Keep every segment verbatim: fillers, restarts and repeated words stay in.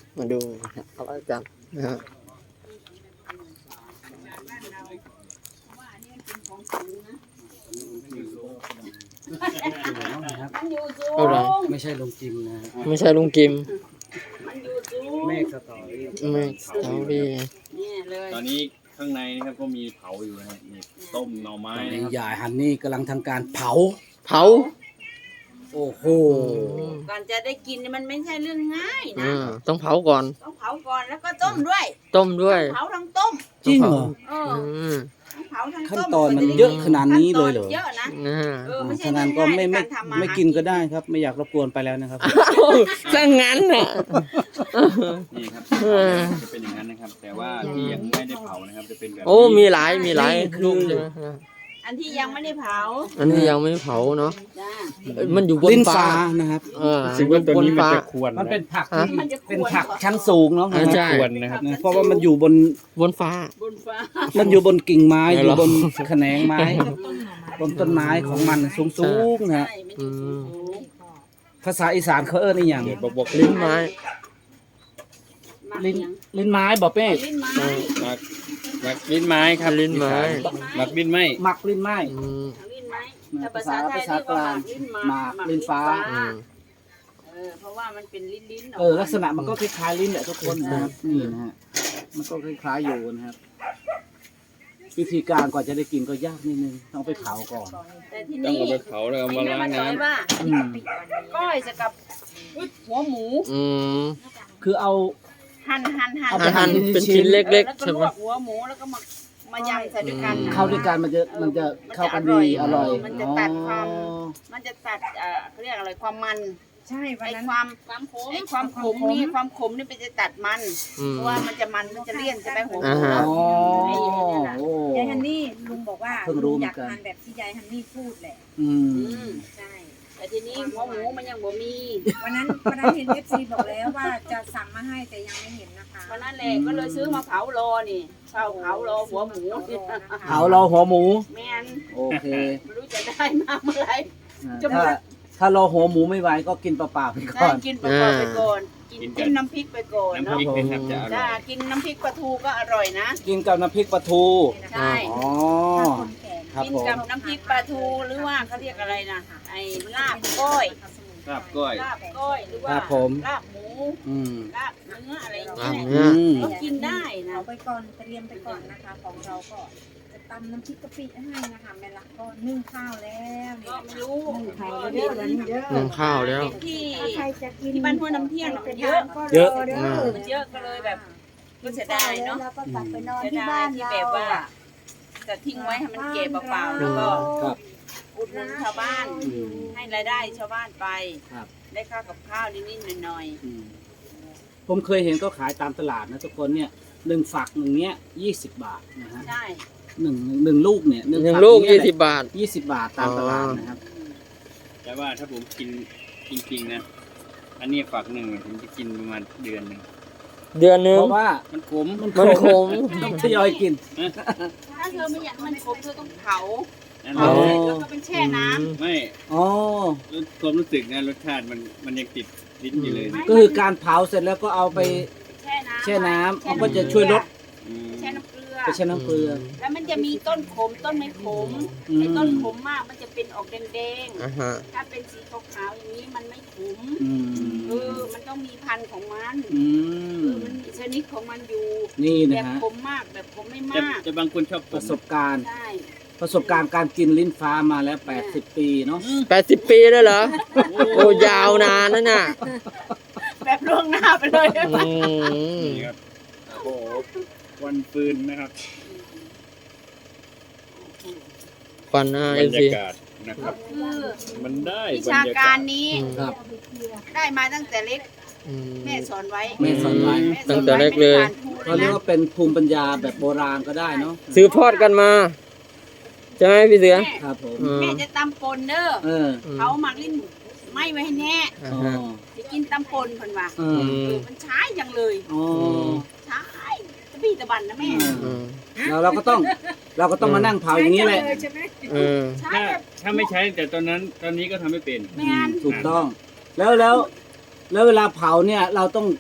มาดูเอาไว้จับนะฮะอะไรไม่ใช่ลงจิมนะไม่ใช่ลุงกิมเมฆสตอรี่ไม่สตอรี่ตอนนี้ข้างในนะครับก็มีเผาอยู่นะครับมีต้มหน่อไม้ตอนนะนี้ครับยายฮันนี่กำลังทำการเผาเผาโอ้โหก่อนจะได้กินนี่มันไม่ใช่เรื่องง่ายนะอ่าต้องเผาก่อนต้องเผาก่อนแล้วก็ต้มด้วยต้มด้วยเผาทั้งต้มจริงเหรอเอออืมทั้งเผาทั้งขั้นต้มตอนมันเยอะขนาดนี้เลยเหรอขั้นตอนเยอะนะนะฮะเออไม่ใช่ฉะนั้นก็ไม่ไม่ง่ายๆในารทำอาหารไม่กินก็ได้ครับ ไม่อยากรบกวนไปแล้วนะครับถ้างั้นน่ะนี่ครับเออจะเป็นอย่างนั้นนะครับ แต่ว่าที่ยังไม่ได้เผานะครับจะเป็นแบบโอ้มีหลายมีหลายนี่คือลูกใช่ไหมอันที่ยังไม่ได้เผาอันนี้ยังไม่เผาเนาะจ้ามันอยู่บนลิ้นฟ้าฟ้านะครับเออรู้สึกว่าตัวนี้มันจะบควรมันเป็นผักฮะที่มันจะควรเป็นผักชั้นสูงเนาะอ่าใช่ควรนะครับนะเพราะว่ามันอยู่บนบนฟ้าบนฟ้ามันอยู่บนกิ่งไม้ไม่อหรยู่อกบนแขนงไม้ บนต้นไม้ของมันสูงสูงๆนะฮะใช่ไม่ได้สูงภาษาอีสานเขาเอิ้นอีหยังเดี๋ยวบอกบอกลิ้นไม้มาลิ้นเลี้ยงลิ้นไม้บอกเป้ลิ้นไม้หมักหมักลิ้นไม้ครับลิ้นไม้หมักลิ้นไม้หมักลิ้นไม้อืมลิ้นไม้นะถ้าภาภาษาษาไทยภาษาเรียกกว่าลางลิ้นไม้หมากลิ้นฟ้าอืมเออเพราะว่ามันเป็นลิ้นลิ้นเออลักษณะมันก็คล้ายๆลิ้นแหละทุกคนนะครับนี่นะฮะมันก็คล้ายๆอยู่นะครับ วิธีการก่อนจะได้กินก็ยากนิดนึงต้องไปเผาก่อนแต่ที่ต้องนี่เอาไปเผาแล้วเอามาล้างน้ำว่าอืมก้อยจะกับหัวหมูอืมคือเอาหั่นหั่นหั่นเอาไปอาหารหั่นเป็นชิ้นเล็กแล้วๆก็ใช่ลไหมวกหัวหมูแล้วก็มามายำใส่ด้วยกันอืมเข้าด้วยกันมันจะมันจะเข้ากันดีอร่อยมันจะตัดความ มันจะตัดเอ่อเขาเรียกอะไรความมันใช่วันไอ้นั้นความความขมไอ้ความขมนี่ความขมนี่มันจะตัดมันอืมเพราะว่ามันจะมันมันจะเลี่ยนจะไปหัวหอ่ามูฮะอ๋อโอ้ยายฮันนี่ลุงบอกว่าเพิ่งรู้ลุงเหมืออยาน กกันทานแบบที่ยายฮันนี่พูดแหละอือืมมใช่แต่ทีนี้หัวหมูมันยังบ่มีวันนั้นวันนั้นเห็นเอฟซีบอกแล้วว่าจะสั่งมาให้แต่ยังไม่เห็นนะคะวันนั้นแหละก็เลยซื้อมาเผารอนี่เผาเผารอหัวหมูเผาเราหัวหมูแม่นโอเคไม่รู้จะได้มาเมื่อไหร่ จะหมถ้าดถ้าเราหัวหมูไม่ไหวก็กินเปล่าๆไปก่ได้อนกินปลาทูไปก่อนกินจิ้มน้ำพริกไปก่อนน้ำเนาะพริกนะครับจะอร่จ้าอยกินน้ำพริกปลาทูก็อร่อยนะกินกับน้ำพริกปลาทูใช่อ๋อคนแก่ครับกินผมกับน้ำพริกปลาทูหรือว่าเขาเรียกอะไรนะไอ้ลาบก้อยครับก้อยลาบก้อยหรือว่าครับผมลาบหมูอืมลาบเนื้ออะไรอย่างลาบเงี้ยเนื้ออืมก็กินได้นะเอาไปก่อนเตรียมไปก่อนนะคะ ของเราก็จะตำน้ำพริกกะปิให้นะคะแม่ลักก็นึ่งข้าวแล้วก็ไม่รู้นึ่งข้าวแล้วเด้อวันนี้เด้อนึ่งข้าวแล้วที่ถ้าใครจะกินที่บ้านห้วยน้ำเที่ยงน่ะมันเยอะเยอะเด้อือมมันเยอะก็เลยแบบก็เสียดายเนาะแล้วก็กลับไปนอนเสียที่ดาบ้าย นที่เราแบบว่าจะทิ้งไว้ให้มันเก็บเปล่าๆแล้วก็ครับอุดหนุนชาวบ้านอืมให้รายได้ชาวบ้านไปครับได้ค่ากับข้าวนิดๆหน่อยอืมผมเคยเห็นก็ขายตามตลาดนะทุกคนเนี่ยหนึ่งฝักหนึ่งเนี้ยยี่สิบบาทนะฮะๆใช่หนึ่งหนึ่งลูกเนี่ยหนึ่งฝัลูกเนี่ยี่แหละสิบบาทยี่สิบบาทตามตลาดนะครับแต่ว่าถ้าผมกินจริงๆนะ อันนี้ฝักหนึ่งผมจะกินประมาณเดือนหนึ่งเดือนหนึงเพราะว่ามันขมมันมันขมต้องทยอยกินถ้าเธอไม่อยากมันขมเธอต้องเผานั่นเผาแหละเสร็จแล้วก็เป็นแช่น้ำไม่อ๋อความรู้สึกนะรสชาติมันมันยังติดลิ้นอยู่เลยนะก็คือการเผาเสร็จแล้วก็เอาไปแช่น้ำแช่น้ำแช่มันก็จะช่วยลดอืมแช่น้ำเกลือไปแช่น้ำเกลือแล้วมันจะมีต้นขมต้นไม่ขมอืมไอ้ต้นขมมากมันจะเป็นออกแดงอ่าฮะๆถ้าเป็นสีขาวๆอย่างนี้มันไม่ขมอืมเออมันต้องมีพันธุ์ของมันอืเอมอมันมีชนิดของมันอยู่นี่แบนะบฮะขมมากแบบขมไม่แต่มากแต่บางคนชอบขประมสบการณ์ใช่ประสบการณ์การกินลิ้นฟ้ามาแล้วแปดสิบปีเนาะแปดสิบปีแล้วเหรอ โอ้ยาวนานนั่นน่ะแบบล่วงหน้าไปเลยอืมนี่ครับโอ้โหวันปืนนะครับควันหน้าบเอรฟรยาซีกาศนะครับคือมันได้วิบรชารยากาการศนี้ครับได้มาตั้งแต่เล็กอืมแม่สอนไว้แม่สอนไว้แม่สตั้อนงแต่ไว้เล็กเลยเขาเรียกว่าเป็นภูมิปัญญาแบบโบราณก็ได้เนาะสืบทอดกันมาใช่ไหมพี่เสือแม่ครับผมอืมแม่จะตำปนเด้อเออเขาหมักลิ้นไม่ไว้ให้แน่อ่าอ๋อฮะจะกินตำปนเพิ่นว่าเออือเอมอมันใช้จังเลยอ๋อใช้ตะบี้ตะบันนะแม่อืมแล้วเราก็ต้องเราก็ต้องมานั่งเผาอย่างนี้แหละใช่ไหมอืมใช้ถ้าแบบถ้าไม่ใช้แต่ตอนนั้นตอนนี้ก็ทำไม่เป็นแม่นถูกต้อง แล้วแล้วแล้วเวลาเผาเนี่ยเราต้องกะ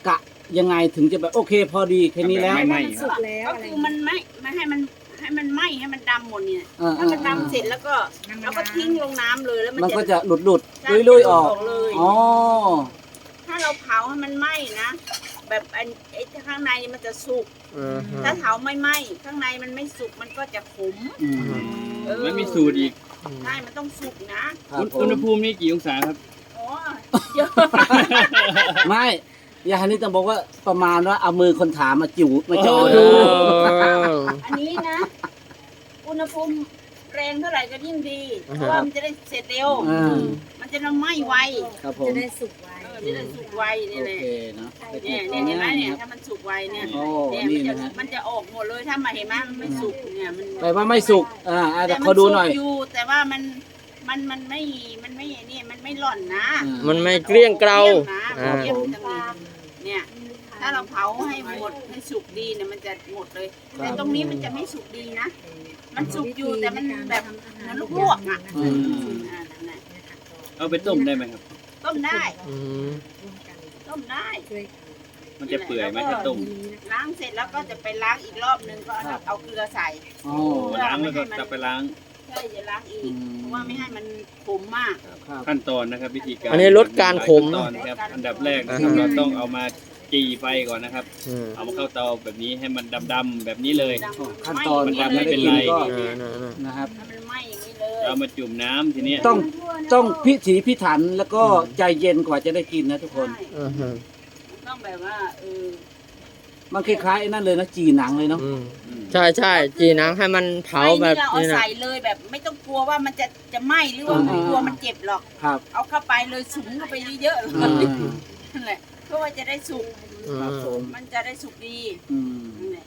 ยังไงถึงจะแบบโอเคพอดีแค่นี้แล้วไม่ไหม้สุกแล้วก็อะไรคือมันไม่ไม่ให้มันให้มันไหม้ให้มันดำหมดเนี่ยเออถ้ามันดำเสร็จแล้วก็เราก็ทิ้งลงน้ำเลยแล้วมันมันก็จะจะหลุดหลุดใช่ลุยลุยๆออกเลยอ๋อถ้าเราเผาให้มันไหม้นะ แบบอันไอ้ข้างในมันจะสุกอืมฮะถ้าเผาไม่ไหม้ข้างในมันไม่สุกมันก็จะขมอืมเออมันมีสูตรอีกใช่มันต้องสุกนะครับผอุณหมภูมินี่กี่องศาครับอ๋อเยอะไม่ยาฮันนี่ต้องบอกว่าประมาณว่าเอามือคนถามมาจิ๋วมาจอเอดูออันนี้นะ อุณหภูมิแรงเท่าไหร่ก็ยิ่งดีอ่าเพฮะราะว่ามันจะได้เสร็จเร็วอ่ามันจะไหม้ไวครับผมจะได้สุกไว้เออจะได้สุกไวโอนี่แหละเคเนาะเนี่ยเนี่ยเห็นไหมเนี่ยถ้ามันสุกไวเนี่ยโอ้เนี่ยนี่มันจะนะฮะมันจะออกหมดเลยถ้ามาเห็นไหมมันไม่สุกเนี่ยมันแปลว่าไม่สุกอ่าอ่าแต่แต่มัขอดูหน่อยสุกอยู่แต่ว่ามันมันมันไม่มันไม่เนี่ยมันไม่หล่อนนะอ่ามันไม่เกลี้ยงเกลานะอ่าเกลี้ยงจังเลยเนี่ยถ้าเราเผาให้หมดให้สุกดีเนี่ยมันจะหมดเลย แต่ตรงนี้มันจะไม่สุกดีนะ มันสุกอยู่แต่มันแบบเหมือนลูกลวกอ่ะอืมอ่านั่นแหละเอาไปต้มได้ไหมครับต้มได้อืมต้มได้มันจะเปื่อยไหมถ้าต้มล้างเสร็จแล้วก็จะไปล้างอีกรอบนึงก็เอาเอาเกลือใส่อ๋อล้างแล้วก็จะไปล้างใช่จะล้างอีอืกมเพราะว่าไม่ให้มันขมมากครับขั้นตอนนะครับวิธีการอันนี้ลดการขมขั้นตอนครับอันดับแรกนะครับเราต้องเอามาจีไฟก่อนนะครับอืมเอามาเข้าเตาแบบนี้ให้มันดำๆแบบนี้เลยขั้นตอนมันการทำให้ไม่ได้เป็นกินไรก็อ่าน่ะนะครับถ้ามันไหม้อย่างนี้เลยเรามาจุ่มน้ำทีนี้ต้องต้องพิถีพิถันแล้วก็ใจเย็นกว่าจะได้กินนะทุกคนใช่ๆอือฮึมันต้องแบบว่าเออมันคล้ายๆไอ้นั่นเลยนะจีหนังเลยเนาะอืมอืมใช่ใช่จีหนังให้มันเผาแบบไม่นี่เราเอานี้นะใส่เลยแบบไม่ต้องกลัวว่ามันจะจะไหม้หรือว่าอ่ากลัวมันเจ็บหรอกครับเอาเข้าไปเลยสุมเข้าไปเยอะๆเลยอ่านั่นแหละเพื่อว่าจะได้สุกอืครับมผมมันจะได้สุกดีอืมนั่นแหละ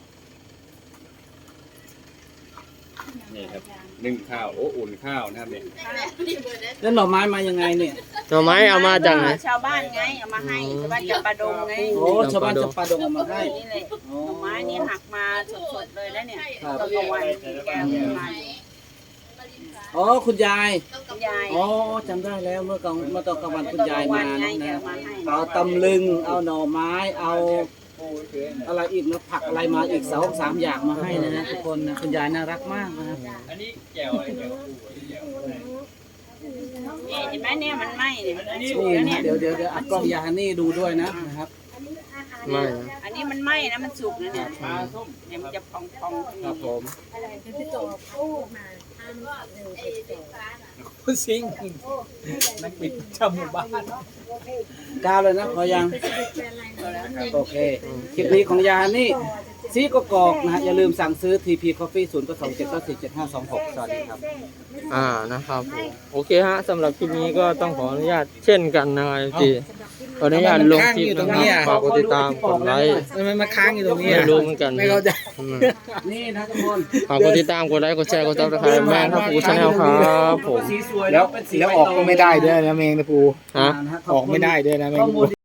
นี่ครับนึ่งข้าวโอ้อุ่นข้าวนะครับเนี่ยนั่นแหละแล้วหน่อไม้มายังไงเนี่ยหน่อไม้เอามาจากไหนชาวบ้านไงเอามาให้ชาวบ้านจับปลาดงไงโอ้ชาวบ้านจะปลาดงเอามาให้นี่แหละโอ้หน่อไม้นี่หักมาสดๆเลยแล้วเนี่ยครับตอนกลางวันแกงมาอยู่อ๋อคุณยายคุณยายอ๋อจำได้แล้วเมื่อกลางเมื่อตอนกลางวันคุณยายมาไงนะแกนะมาให้เอาตำลึง เอาหน่อไม้ เอาอะไรอีกนะผักอะไรมาอีกสองสามอย่างมาให้นะฮะทุกคนนะคุณยายน่ารักมากนะครับอันนี้แจ่วอะไรแจ่วปูอันนี้แจ่วอะไรนี่เห็นไหมเนี่ยมันไหม้เนี่ยมันสุกนี่แล้วนะเนี่ยเดี๋ยวเดี๋ยวเดี๋ยวเอากล้องยาฮันนี่ดูด้วยนะนะครับไม่นะอันนี้มันไหม้นะมันสุกนะเนี่ยปลาส้มเนี่ยมันจะพองๆครับผมพี่โตพูดมาห้ามเร็วไปโตคุณซิงนักบิดชาวหมู่บ้านกาวเลยนะพอยังไปสะดุดไปอะไรนะโอเค คลิปนี้ของยาฮันนี่ซีกกอกนะฮะ อย่าลืมสั่งซื้อ ที พี Coffee ศูนย์ สอง เจ็ด เก้า สี่ เจ็ด ห้า สอง หก สวัสดีครับอ่านะครับผมโอเคฮะสำหรับคลิปนี้ก็ต้องขออนุญาตเช่นกันนะครับจีขออนุญาตลงคลิปนะครับฝากกดติดตามกดไลค์ทำไมมาค้างอยู่ตรงนี้ไม่รู้เหมือนกันไม่เข้าใจอืมนี่นะทุกคนฝากกดติดตามกดไลค์กดแชร์กดซับสไครต์แม่ครับปูชาแนลครับผมสีสวยแล้วเป็นสีแล้วออกก็ไม่ได้ด้วยนะเมงนะปูฮะนะฮะขอบอกไม่ได้ด้วยนะเมงข้อมูล